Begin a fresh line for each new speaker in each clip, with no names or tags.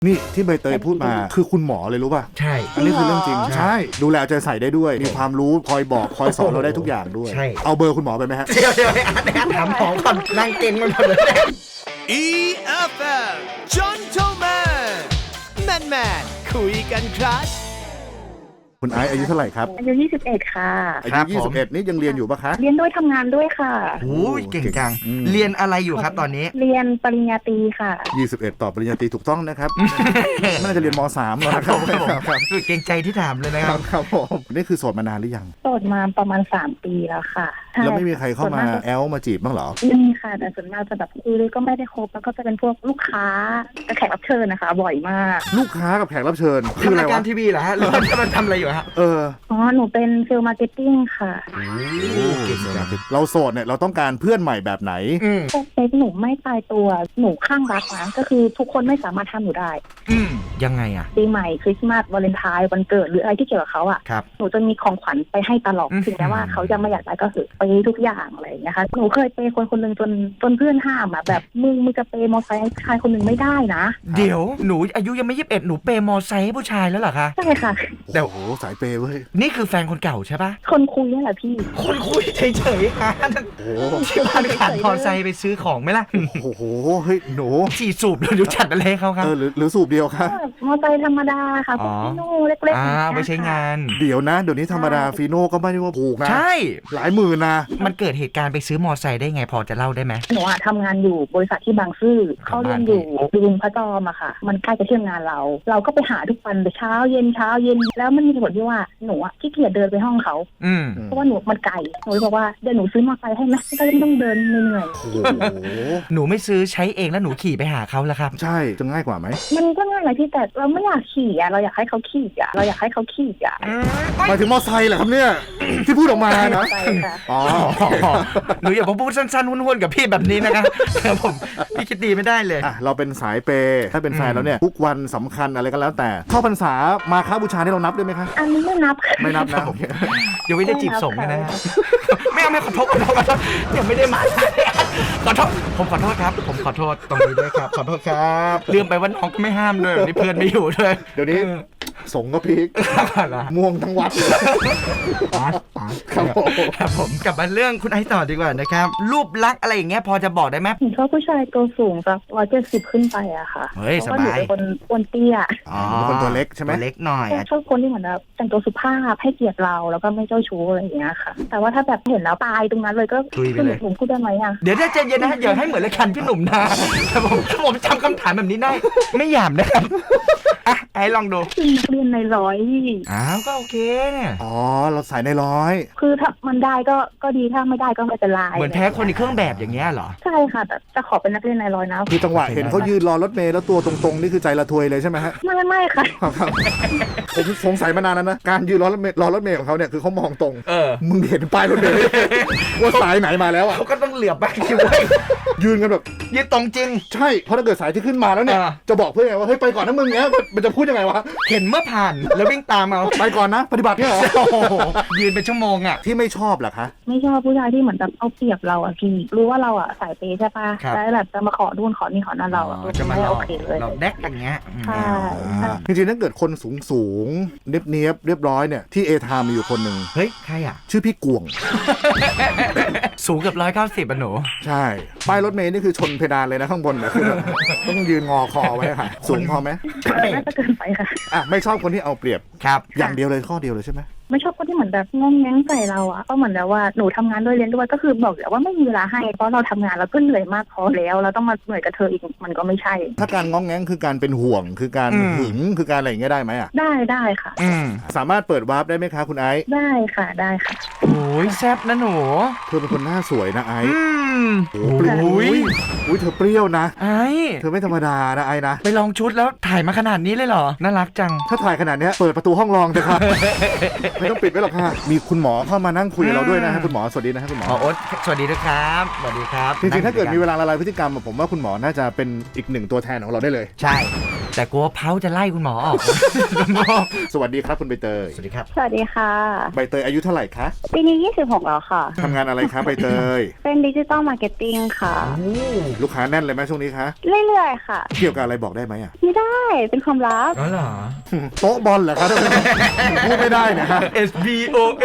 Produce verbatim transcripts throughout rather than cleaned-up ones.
นี่ที่ใบเตยพูดมาคือคุณหมอเลยรู้ป่ะ
ใช่
อันนี้คือเรื่องจริงใช่ดูแลใจใส่ได้ด้วยมีความรู้คอยบอกคอยสอนเราได้ทุกอย่างด้วยเอาเบอร์คุณหมอไปไหมฮะ
เดี๋ยวเดี๋ยวถามหมอก่อนนั่งเก่งมันหมดเลย
อี เอฟ เอ็ม Gentleman Man Man คุยกันครับ
คุณไอซ์อายุเท่าไหร่ครับ
อายุยี่สิบเอ็ดค่ะ
อายุยี่สิบเอ็ดนี่ยังเรียนอยู่ปะคะ
เรียนด้วยทำงานด้วยค่ะ
โอ้ยเก่งจังเรียนอะไรอยู่ครับตอนนี้
เรียนปริญญาตรีค่ะ
ยี่สิบเอ็ดต่อปริญญาตรีถูกต้องนะครับน่าจะเรียนม.สาม แล้วนะครับ
ครับเก่งใจที่ถามเลยนะครับ
ครับผมนี่คือโสดมานานหรือยัง
โสดมาประมาณสามปีแล้วค่ะ
แล้วไม่มีใครเข้ามาแอลมาจีบบ้างเหรอ
มีค่ะแต่ส่วนมากจะแบบคุยก็ไม่ได้คบแล้วก็จะเป็นพวกลูกค้าแขกรับเชิญนะคะบ่อยมาก
ลูกค้ากับแขกรับเชิญ
คืออะไรวะรายการทีวีเหรอฮะหรือมันทำอะไรอยู่ฮะ
เออ
อ๋อหนูเป็นเซลล์มาร์เก็ตติ้งค่ะ
เราโสดเนี่ยเราต้องการเพื่อนใหม่แบบไหน
สเปคหนูไม่ตายตัวหนูข้างรักนะก็คือทุกคนไม่สามารถทำหนูได้
ยังไงอ่ะ
ปีใหม่คริสต์มาสวาเลนไทน์วันเกิดหรืออะไรที่เกี่ยวกับเขาอ่ะหนูจะมีของขวัญไปให้ตลอดถึงแม้ว่าเขาจะไม่อยากได้ก็คือไปทุกอย่างอะไรอย่างเงี้ยค่ะหนูเคยเปย์คนคนหนึ่งจนจนเพื่อนห้ามอ่ะแบบมึงมึงจะเปย์มอเตอร์ไซค์ให้ชายคนหนึ่งไม่ได้นะ
เดี๋ยวหนูอายุยังไม่ยี่สิบเอ็ดหนูเปย์มอเตอร์ไซค์ให้ผู้ชายแล้วเหรอคะ
ใช่ค่ะ
แต่โอ้โหสายเปย์เว้ย
นี่คือแฟนคนเก่าใช่ปะ
คนคุยนี่แหละพี่
คนคุยเฉยๆฮะโอ้ที่บ้านขาดมอเตอร์ไซค์ไปซื้อของไหมล่ะ
โอ้โหเฮ้ยหนู
ฉีดสูบหรือจัดอะไรเขาครับ
เออหรือสูบเดียวครับ
มอเตอร์ไซค์ธรรมดาค่ะพวกฟีโน่เล็กๆ
อ่าไปใช้งาน
เดี๋ยวนะเดี๋ยวนี้ธรรมดาฟีโน่ก็ไม่ได้ว่าถูกนะ
ใช่
หลายหมื่นนะ
มันเกิดเหตุการณ์ไปซื้อมอเตอร์ไซค์ได้ไงพอจะเล่าได้ไหม
หนูอะทำงานอยู่บริษัทที่บางซื่อเขาเรียนอยู่บึงพระจอมอะค่ะมันใกล้จะเที่ยงงานเราเราก็ไปหาทุกวันเช้าเย็นเช้าเย็นแล้วมันมีผลที่ว่าหนูอะขี้เกียจเดินไปห้องเขาเพราะว่าหนูมันไกลหนูบอกว่าเดี๋ยวหนูซื้อมอเตอร์ไซค์ให้ไหมก็ไม่ต้องเดินเหนื่อย
หนูไม่ซื้อใช้เองแล้วหนูขี่ไปหาเขาแล้วครับ
ใช่จะง่ายกว่าไหม
มันก็ง่ายเลยที่แต่เราไม่อยากขี่อะเราอยากให้เขาขี่อะเราอยากให้เขาขี่อะ
หมายถึงมอเตอร์ไซค์เหรอครับเนี่ยที่พูดออกมานะ
อ๋อหนูอย่าพูดสั้นๆห้วนๆกับพี่แบบนี้นะครับผมพี่คิดดีไม่ได้เลย
อ่ะเราเป็นสายเปย์ถ้าเป็นแฟนแล้วเนี่ยทุกวันสำคัญอะไรก็แล้วแต่เข้าพรรษามาค้าบูชาที่เรานับด้วยไหมคะ
อันนี้ไม่นับ
ไม่นับนะ
ยังไม่ได้จีบส่งนะไม่เอาไม่ขอโทษขอโทษขอโทษยังไม่ได้มาขอโทษผมขอโทษครับผมขอโทษตรงนี้ด้วยครับขอโทษครับลืมไปว่าน้องก็ไม่ห้ามด้วยนี่เพื่อนไม่อยู่ด้วย
เดี๋ยวนี้สงก็พีกม่วงทั้งวัดเลย
ครับผมครับผมกลับมาเรื่องคุณไอซ์ต่อดีกว่านะครับรูปลักษณ์อะไรอย่างเงี้ยพอจะบอกได้ไหม
ผมชอบผู้ชายตัวสูงสักร้อยเจ็ดสิบขึ้นไปอะค่ะ
เฮ้ยสบาย
คนอ้วนเตี้ย
อ๋อคนตัวเล็กใช่ไหม
เล็กหน่อย
ชอบคนที่เหมือนแบบแต่งตัวสุภาพให้เกียรติเราแล้วก็ไม่เจ้าชู้อะไรอย่างเงี้ยค่ะแต่ว่าถ้าแบบเห็นแล้วตายตรงนั้นเลยก็คือผมพูดได้ไหมอะ
เดี๋ยวได้ใจเย็นนะอย่าให้เหมือนรายการพี่หนุ่มนะผมผมจำคำถามแบบนี้ได้ไม่หยาบนะครับอ่ะไอ้ลองดู
เรียนในร้อย
อ้าวก็โอเคเนี่ย
อ๋อเราใส่ในร้อย
คือถ้ามันได้ก็ก็ดีถ้าไม่ได้ก็ไม่เป็นไร
เหมือนแพ้คนในเครื่องแบบอย่างเงี้ยเหรอ
ใช่ค่ะแต่จะขอเป็นนักเรียนในร้อยนะ
คือจังหวะเห็นเขายืนรอรถเมล์แล้วตัวตรงๆนี่คือใจละทวยเลยใช่ไหมฮะ
ไม่ไม่ค่ะ
ผมสงสัยมานานแล้วนะการยืนรอรถเมล์รอรถเมล์ของเขาเนี่ยคือเขามองตรง
เออ
มึงเห็นป้ายรถเมล์ว่าสายไหนมาแล้วอ่ะ
เขาก็ต้องเหลือบไปคิวไว้
ยืนกันแบบ
ยืนตรงจริง
ใช่เพราะถ้าเกิดสายที่ขึ้นมาแล้วเนี่ยจะบอกเพื่อนไงว่าเฮ้ยไปก่อนนะมึงเนี้ยมันจะพูดยังไงวะ
เห็นเมื่อผ่านแล้ววิ่งตามเอา
ไปก่อนนะปฏิบัติเนี่ยเหรอ
ยืนเป็นชั่วโมงอ่ะ
ที่ไม่ชอบเหรอคะ
ไม่ชอบผู้ชายที่เหมือนแบบเอาเปรียบเราอ่ะพี่รู้ว่าเราอ่ะสายเปย์ใช่ป่ะแล้วแบบจะมาขอนู่นขอนี่ขอนั่นเราอ่ะไม่โอเคเลย
เราแดกอย่างเงี้ย
ใช่
จริงๆถ้าเกิดคนสูงสูงเนียบเนียบเรียบร้อยเนี่ยที่เอทามมีอยู่คนหนึ่ง
เฮ้ยใครอ่ะ
ชื่อพี่กวง
สูงเกือบร้อยเก้าสิบอ่ะหนู
ใช่ป้ายรถเมล์นี่คือชนเพดานเลยนะข้างบนนะคือต้องยืนงอคอไว้ค่ะสูงพอไหม
น่าจะเกินไปค่ะ
อ่ะไม่ชอบคนที่เอาเปรียบ
ครับ
อย่างเดียวเลยข้อเดียวเลยใช่ไหม
ไม่ชอบคนที่เหมือนแบบงงแงงใส่เราอ่ะก็เหมือนแบบว่าหนูทำงานด้วยเรียนด้วยก็คือบอกแล้วว่าไม่มีเวลาให้เพราะเราทำงานเราก็เหนื่อยมากพอแล้วเราต้องมาเหนื่อยกับเธออีกมันก็ไม่ใช่
ถ้าการงงแงงคือการเป็นห่วงคือการหึงคือการอะไรอย่างเงี้ยได้ไหมอ่ะ
ได้ได้ค่ะ
สามารถเปิดวาร์ปได้ไหมคะคุณไอซ์
ได้ค่ะได้ค่ะ
โอ้ยแซ่บนะหนู
เธอเป็นคนหน้าสวยนะไอซ์
โอ้
ยอุ้ยเธอเปรี้ยวนะ
ไอ้
เธอไม่ธรรมดานะไอ้นะ
ไปลองชุดแล้วถ่ายมาขนาดนี้เลยเหรอน่ารักจัง
ถ้าถ่ายขนาดนี้เปิดประตูห้องรองเถอะค่ะไม่ต้องปิดไว้หรอกค่ะมีคุณหมอเข้ามานั่งคุยกับเราด้วยนะฮะคุณหมอสวัสดีนะฮะคุณหมอ
โอ๊ตสวัสดีด้วยครับสวัสดีครับ
จริงๆถ้าเกิดมีเวลาละลายพฤติกรรมผมว่าคุณหมอน่าจะเป็นอีกหนึ่งตัวแทนของเราได้เลย
ใช่แต่กลัวเพ้าจะไล่คุณหมอออก
สวัสดีครับคุณใบเตย
สวัสดีครับ
สวัสดีค่ะ
ใบเตยอายุเท่าไหร่คะ
ปีนี้ยี่สิบหกแล้วค่ะ
ทำงานอะไรคะใบเตย
เป็นดิจิตอลมาร์เก็ตติ้งค่ะ
ลูกค้าแน่นเลยไหมช่วงนี้คะ
เรื่อยๆค่ะ
เกี่ยวกับอะไรบอกได้ไหมอ่ะ
ไม่ได้เป็นความลับ
อ๋อเหรอ
โต๊ะบอลเหรอครับพูดไม่ได้นะฮะ
S B O A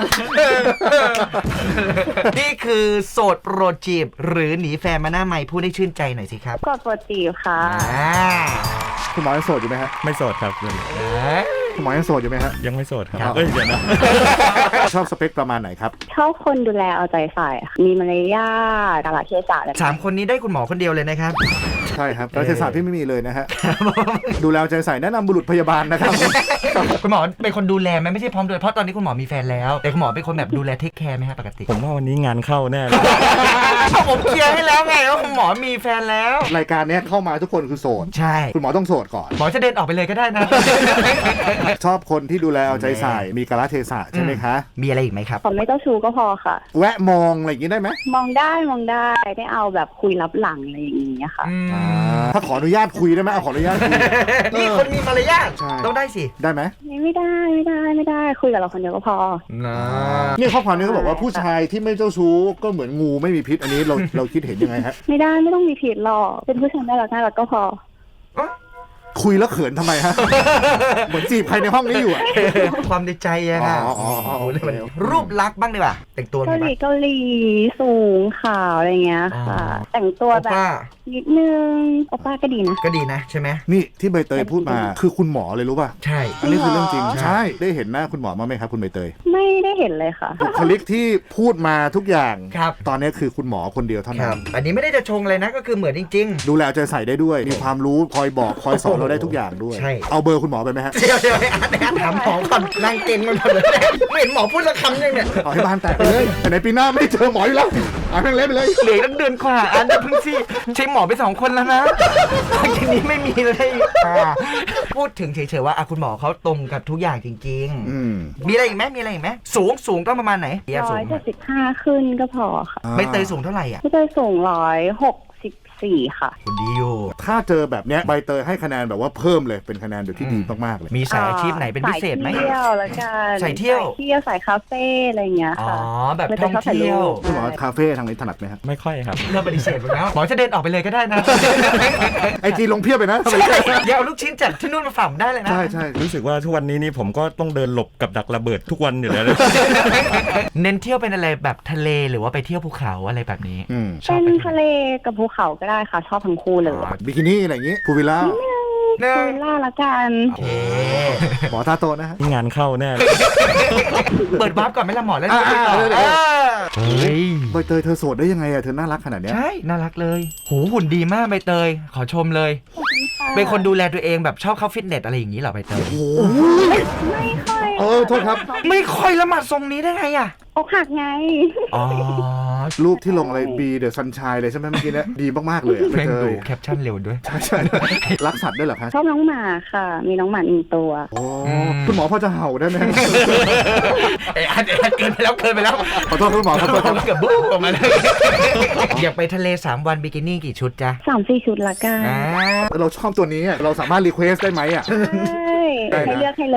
นี่คือโสดโปรดจีบหรือหนีแฟนมาหน้าใหม่พูดให้ชื่นใจหน่อยสิครับ
กดโปรตีค่ะ
อ่า
คุณหมอยังโสดอยู่ไหมฮะ
ไม่โสดครับ
คุณหมอยังโสดอยู่ไหมฮะ
ยังไม่โสดครับ
ครับ
เอ้ยเดี๋ยวนะ
ชอบสเปคประมาณไหนครับ
ชอบคนดูแลเอาใจใส่ค่ะมีมารยาทกาลเทศะอะไร
สามคนนี้ได้คุณหมอคนเดียวเลยนะครับ
ใช่ครับรัฐศาสตร์ที่ไม่มีเลยนะฮะ ดูแลเอาใจใส่แนะนำบุรุษพยาบาลนะครับ
คุณหมอเป็นคนดูแลไหมไม่ใช่พร้อมดูแลเพราะตอนนี้คุณหมอมีแฟนแล้ว แต่คุณหมอเป็นคนแบบดูแลเทคแคร์ไหมฮะปกติ
ผมว่าวันนี้งานเข้าแน่เลย
ผมเคลียร์ให้แล้วไงว่าคุณหมอมีแฟนแล้ว
รายการเนี้ยเข้ามาทุกคนคือโสด
ใช่
คุณหมอต้องโสดก่อน
หมอจะเดินออกไปเลยก็ได้นะ
ชอบคนที่ดูแลเอาใจใส่ มีกาลเทศะใช่ไหมคะ
มีอะไรอีกไหมครับ
ขอไม่เจ้าชู้ก็พอค่ะ
แวะมองอะไรอย่างนี้ได้ไหม
มองได้มองได้ได้เอาแบบคุยลับหลังอะไรอย่างนี้ค่ะ
อ่าถ้าขออนุญาตคุยได้ไหมเอาขออนุญาตคุย
นี่คนมีมารยาท
ใช่
ต้องได้สิ
ได้ไหม
ไม่ได้ไม่ได้ไม่ได้คุยกับเราคนเดียวก็พอ
นะ
นี่ข้อความนี้เขาบอกว่าผู้ชายที่ไม่เจ้าชู้ก็เหมือนงูไม่มีพิษอันนี้เราเราคิดเห็นยังไงฮะ
ไม่ได้ไม่ต้องมีผิดหรอกเป็นผู้ชายน่ารักน่ารักก็พอ
คุยแล้วเขินทำไมฮะ เหมือนจีบใครในห้องนี้อยู่อะ
ความในใจอะค่ะ
อ๋ออ๋ออ๋อโอเค
รูปลักษณ์บ้างดีกว่าแต่งตัวไง
เกาห
บ้า
ลี
ง
เกาหลีสูงขาวอะไรเงี้ยค่ะ
อ๋อ
แต่งตัว
โอ
แบบ
ป้า
นิดนึงโอป้าก็ดีนะ
ก็ดีนะใช่ไหม
นี่ที่ใบเตยพูดมาคือคุณหมอเลยรู้ป่ะ
ใช่
อันนี้คือเรื่องจริง
จริงเหรอ
ใช่ได้เห็นหน้าคุณหมอมาไหมครับคุณใบเตย
ไม่ได้เห็นเลยค่ะ
บุคลิกที่พูดมาทุกอย่าง
ครับ
ตอนนี้คือคุณหมอคนเดียวเท่า
ค
นั้
รับ
น
อันนี้ไม่ได้จะชงเลยนะก็คือเหมือนจริง
ดูแลเอาใจใส่ได้ด้วย มีความรู้คอยบอกคอยสอนเราได้ทุกอย่างด้วย
ใช่
เอาเบอร์คุณหมอไปไหมฮะ
ๆ เดี๋ยวเดี๋ยวไอ้อาร์ตไอ้อาร์ตถามหมอก่อนนั่งเก่งมันหมดเลยเนี่ยไม่เห็นหมอพูดสักคำยังเนี่ย
เอาให้บ้านแตกไปเลยแต่ในปีหน้าไม่เจอหมออยู่แล้วเอาแม่งเละไปเลย
เหลือตั้งเดือนกว่าอันนี้เพิ่งสิใช้หมอไปสองคนแล้วนะหลังจากนี้ไม่มีเลยอ่าพูดถึงเฉยๆว่าอ่ะคุณหมอเขาตรงกับทุกอย่างจริง
อืม
ๆ มีอะไรอีกไหมมีอะไรอีกไหมสูงสูงต้องประมาณไหนเดียว
ร้
สู
อง ย
ไหม
เจ็ดสิบห้าขึ้นก็พอค่ะ
ใบเตยสูงเท่าไหร่อ่ะ
พี่เตยสูงร้อยหกสิบสี่ค่ะ
คุณดีอยู่
ถ้าเจอแบบเนี้ยใบเตยให้คะแนนแบบว่าเพิ่มเลยเป็นคะแนนแบบที่ดีมากๆเลย
มีสายอาชีพไหนเป็นพิเศษไหม
สายเที่ยวแล้วกัน
สายเที่ยว
สายเที่ยวสายคาเฟ่อะไรเงี้ย
อ๋อ
ค่ะ
แบบท่องเที่ยว
คุณหมอคาเฟ่ทางนี้ถนัดไหมครับ
ไม่ค่อยครับ
เริ่มปฏิเสธไปแล้วหมอจะเดินออกไปเลยก็ได้นะ
ไอจีลงเพียบไปนะทำไม
ใช่เดี๋ยวเอาลูกชิ้นจากที่นู่นมาฝากผมได้เลยนะ
ใช่ใช่
รู้สึกว่าทุกวันนี้นี่ผมก็ต้องเดินหลบกับดักระเบิดทุกวันอยู่แล้ว
เน้นเที่ยวเป็นอะไรแบบทะเลหรือว่าไปเที่ยวภูเขาอะไรแบบนี้
อืม
ชอบ
เป็น
ไป
ทะเลกับภูเขาก็ได้ค่ะ ชอบทั้งคู่เลย
บิกินี่อะไรอย่างงี้พูวิลล่า
เนอะ
พูวิลล่าละกัน
โอเค
หมอตาโตนะฮะ
งานเข้าแน่เลย
เปิดวาร์ปก่อนไหมล่ะหมอแล้ว
อ่า
ไปต่อ
เดี๋ยวเดี๋ยว
อ่าเฮ้ย
ใบเตยเธอโสดได้ยังไงอะเธอน่ารักขนาดเนี้ย
ใช่น่ารักเลยโหหุ่นดีมากใบเตยขอชมเลย เป็นคนดูแลตัวเองแบบชอบเข้าฟิตเนสอะไรอย่างนี้เหรอใบเตย
โอ้
ไม่ค่อย
เออโทษครับ
ไม่ค่อยละหมาดทรงนี้ได้ไงอ่ะ
อกหักไง
อ๋อ
รูปที่ลงอะไรบีเดอะซันชายเลยใช่ไหมเมื่อกี้เนี่ยดีมากๆเลยอะใบ
แม่ง
เต
ดู
ย
แคปชั่นเร็วด้วย
ใช่ใช่รักสัตว์ด้วยเหรอคะ
ชอบน้องหมาค่ะ มีน้องหมาหนึ่งตัว
โอ้คุณหมอพอจะเห่าได้ไหม
เอ้ยอันเอ้ยเกินไปแล้วเกินไปแล้ว
ขอโทษคุณหมอขอโทษครับ
เกือบบุ๊บออกมาเลยอยากไปทะเลสามวันบิกินี่กี่ชุดจ๊ะ
สามสี่ชุดละกัน
อ่า
เราชอบตัวนี้อะเราสามารถรีเควสได้ไหมอ่ะ
ใช่
ได้นะ
ให้เลือกให้เลย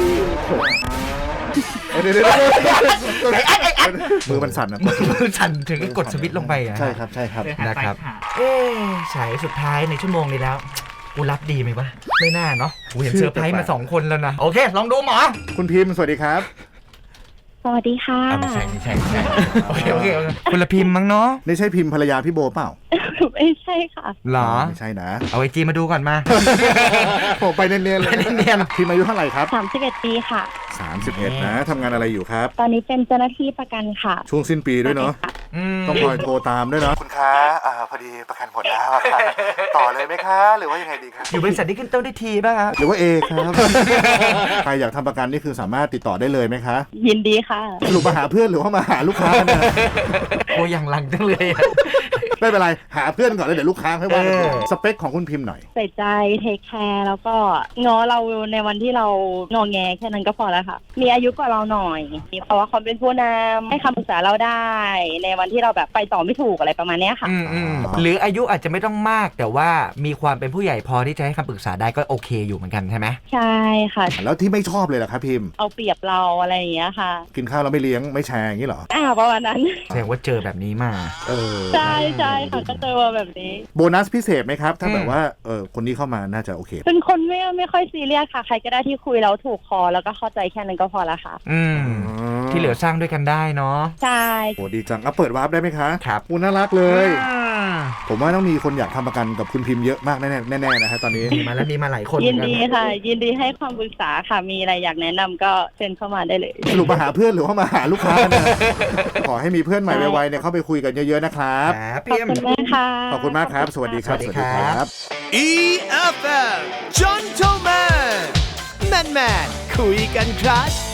เดี๋ยวเดี๋ยวเดี๋ยวมือมันสั่นนะ
มือสั่นถึงกดสวิตช์ลงไปอ่ะ
ใช่ครับใช่ครับ
นะครับเอ๊ะฉายสุดท้ายในชั่วโมงนี้แล้วกูรับดีไหมวะไม่น่าเนาะกูเห็นเซอร์ไพรส์มาสองคนแล้วนะโอเคลองดูหมอ
คุณพิมพ์สวัสดีครับ
สวัสดีค่ะ
อ่ะไม่ใช่ไม่ใช่ไม่ใช่โอเคโอเคโอเคคุณละพิมพ์มั้งเนาะ
นี่ใช่พิมพ์ภรรยาพี่โบเปล่า
ไม่ใช่ค่ะ
หรอ
ไม่ใช่นะ
เอาไอจีมาดูก่อนมา
ผมไปเนียนๆเลย
เนียน
พิมพ์อายุเท่าไหร่ครับ
สามสิบเอ็ดปีค่ะ
สามสิบเอ็ดนะทำงานอะไรอยู่ครับ
ตอนนี้เป็นเจ้าหน้าที่ประกันค่ะ
ช่วงสิ้นปีด้วยเนาะ
อืม
ต้องคอยโทรตามด้วยเนาะคุณคะอ่าพอดีประกันหมดแล้วอะค่ะต่อเลยไหมคะ หรือว่ายังไงดีครับ
อยู่บริษัทที่ขึ้นต้นด้วยทีป่ะครับ
หรือว่าเอครับ ใครอยากทำประกันนี่คือสามารถติดต่อได้เลยไหมคะ
ยินดีค่ะ
สรุปมาหาเพื่อนหรือว่ามาหาลูกค้าเนี่ย
โอ้ยังหลังจังเลยอะ
ไม่เป็นไรหาเพื่อนก่อนแล้วเดี๋ยวลูกค้าให้ว่ากัน
เออ
สเปคของคุณพิมพ์หน่อย
ใส่ใจเทคแคร์แล้วก็ง้อเราในวันที่เรางอแงแค่นั้นก็พอแล้วค่ะ มีอายุกว่าเราหน่อยมีภาวะความเป็นผู้นำให้คำปรึกษาเราได้ ในวันที่เราแบบไปต่อไม่ถูกอะไรประมาณเนี้ยค่ะ
อืมอืมหรืออายุอาจจะไม่ต้องมากแต่ว่ามีความเป็นผู้ใหญ่พอที่จะให้คำปรึกษาได้ก็โอเคอยู่เหมือนกันใช่ไหม
ใช่ค่ะ
แล้วที่ไม่ชอบเลยล่ะครับพิมพ์
เอาเปรียบเราอะไรอย่างเงี้ยค่ะ
กินข้าวแล้วไม่เลี้ยงไม่แชร์อย่างนี้เหรอ
อ่าประมาณนั้น
แสดงว่าเจอแบบนี้มา
เออ
ใช่ใช่ค่ะก็เจอมาแบบนี้
โบนัสพิเศษไหมครับ ถ้า
อืม
แบบว่าเออคนนี้เข้ามาน่าจะโอเค
เป็นคนไม่ไม่ค่อยซีเรียสค่ะ ใครก็ได้ที่คุยแล้วถูกคอแล้วก็เข้าใจแค่นั้นก็พอละค่ะ
อืมที่เหลือสร้างด้วยกันได้เนาะ
ใช่
โอ้ดีจังเอาเปิดวาร์ปได้ไหมคะ
ครับ
โอ้น่ารักเลย
อ่า
ผมว่าต้องมีคนอยากทำประกันกับคุณพิมพ์เยอะมากแน่ๆแน่ๆนะฮะตอนนี้
มีมาแล้วมีมาหลายคน
ยิน
เหมือ
ดี
กั
ค่ะ ยินดีให้ความปรึกษาค่ะ มีอะไรอยากแนะนำก็เชิญเข้ามาได้เลย
สรุปมาหาเพื่อนหรือว่ามาหาลูกค้ากันนะขอให้มีเพื่อนใหม่ไวๆเนี่ยเข้าไปคุยกันเยอะๆนะครับ
ครับ
ขอบ
เพียม
คุณมากค่ะ
ขอบคุณมากครับ สวัสดีครับ
สวัสดีครับ
อี เอฟ เอ็ม Gentleman Man Man คุยกันครับ